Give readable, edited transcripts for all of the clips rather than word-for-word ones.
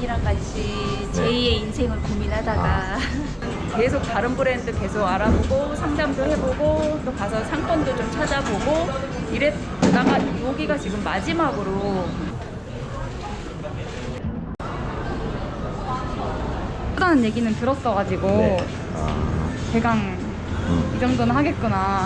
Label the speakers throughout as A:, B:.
A: 언니랑 같이 제2의 인생을 고민하다가 계속 다른 브랜드 계속 알아보고 상담도 해보고 또 가서 상권도 좀 찾아보고 이랬다가 여기가 지금 마지막으로 하다는 얘기는 들었어가지고
B: 네.
A: 대강 이 정도는 하겠구나.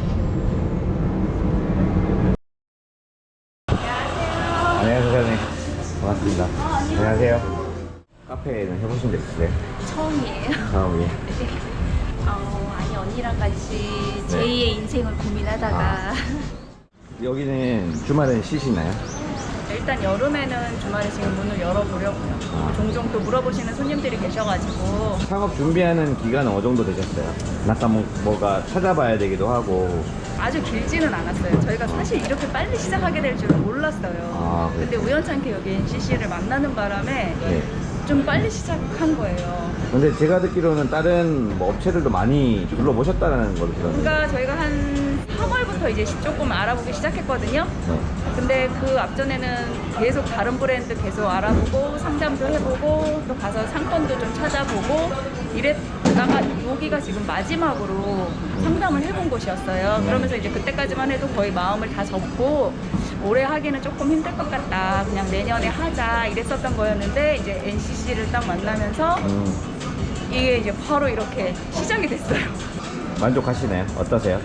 B: 안녕하세요, 사장님. 반갑습니다. 안녕하세요. 카페는 해보신 적 있으세요?
A: 처음이에요.
B: 처음이에요.
A: 아니 언니랑 같이 제2의 인생을 고민하다가
B: 여기는 주말엔 쉬시나요?
A: 일단 여름에는 주말에 지금 문을 열어보려고요. 종종 또 물어보시는 손님들이 계셔가지고.
B: 창업 준비하는 기간은 어느 정도 되셨어요? 약간 뭐가 찾아봐야 되기도 하고.
A: 아주 길지는 않았어요. 저희가 사실 이렇게 빨리 시작하게 될 줄은 몰랐어요. 근데 우연찮게 여기 NCC를 만나는 바람에 좀 빨리 시작한 거예요.
B: 근데 제가 듣기로는 다른 뭐 업체들도 많이 둘러보셨다는 걸 들었는데.
A: 그러니까 저희가 한 3월부터 이제 조금 알아보기 시작했거든요. 근데 그 앞전에는 계속 다른 브랜드 계속 알아보고 상담도 해보고 또 가서 상권도 좀 찾아보고 이랬다가 여기가 지금 마지막으로 상담을 해본 곳이었어요. 그러면서 이제 그때까지만 해도 거의 마음을 다 접고 올해 하기는 조금 힘들 것 같다, 그냥 내년에 하자 이랬었던 거였는데 이제 NCC를 딱 만나면서 이게 이제 바로 이렇게 시작이 됐어요.
B: 만족하시나요? 어떠세요?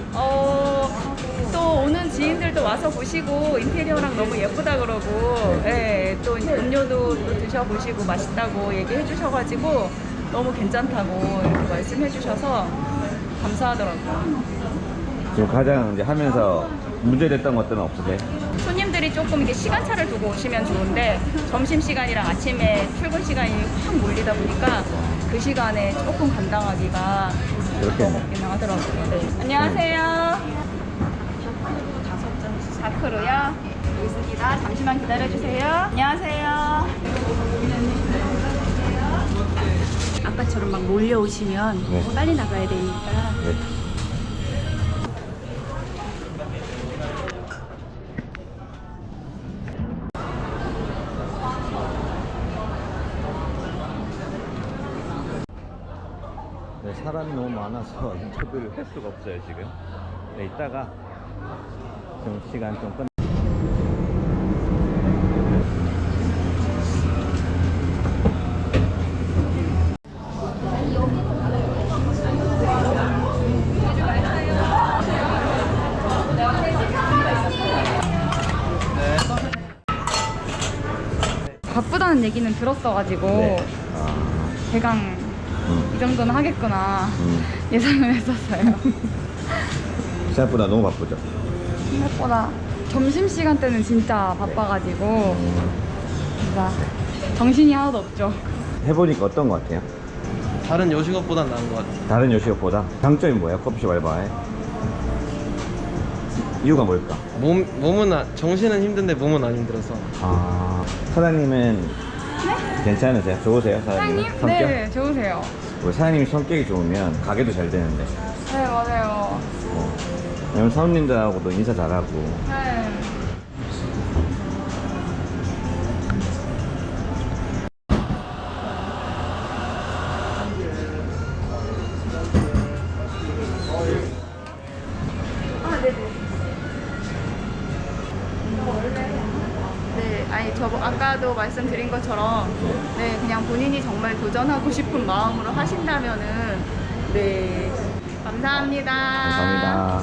A: 또 오는 지인들도 와서 보시고 인테리어랑 너무 예쁘다 그러고 또 음료도 또 드셔보시고 맛있다고 얘기해 주셔가지고 너무 괜찮다고 이렇게 말씀해 주셔서 감사하더라고요.
B: 지금 가장 이제 하면서 문제됐던 것들은 없으세요?
A: 손님들이 조금 이게 시간차를 두고 오시면 좋은데 점심시간이랑 아침에 출근 시간이 확 몰리다 보니까 그 시간에 조금 감당하기가 어렵긴 하더라고요. 네. 안녕하세요. 4크루요? 여기 있습니다. 잠시만 기다려주세요. 안녕하세요. 아까처럼 막 몰려오시면 빨리 나가야 되니까.
B: 네, 사람이 너무 많아서 인터뷰를 할 수가 없어요 지금. 네, 이따가 좀 시간 좀 끝.
A: 바쁘다는 얘기는 들었어가지고 대강 이 정도는 하겠구나 예상을 했었어요.
B: 생각보다 너무 바쁘죠?
A: 생각보다 점심시간 때는 진짜 바빠가지고 진짜 정신이 하나도 없죠.
B: 해보니까 어떤 것 같아요?
C: 다른 요식업보단 나은 것 같아요.
B: 다른 요식업보다? 장점이 뭐예요? 커피숍 알바에? 이유가 뭘까?
C: 정신은 힘든데 몸은 안 힘들어서.
B: 사장님은 괜찮으세요? 좋으세요? 사장님? 성격?
A: 네, 좋으세요.
B: 우리 사장님이 성격이 좋으면 가게도 잘 되는데.
A: 네, 맞아요.
B: 왜냐면 사원님들하고도 인사 잘하고.
A: 네. 아니 저 아까도 말씀드린 것처럼 그냥 본인이 정말 도전하고 싶은 마음으로 하신다면은 감사합니다.
B: 감사합니다.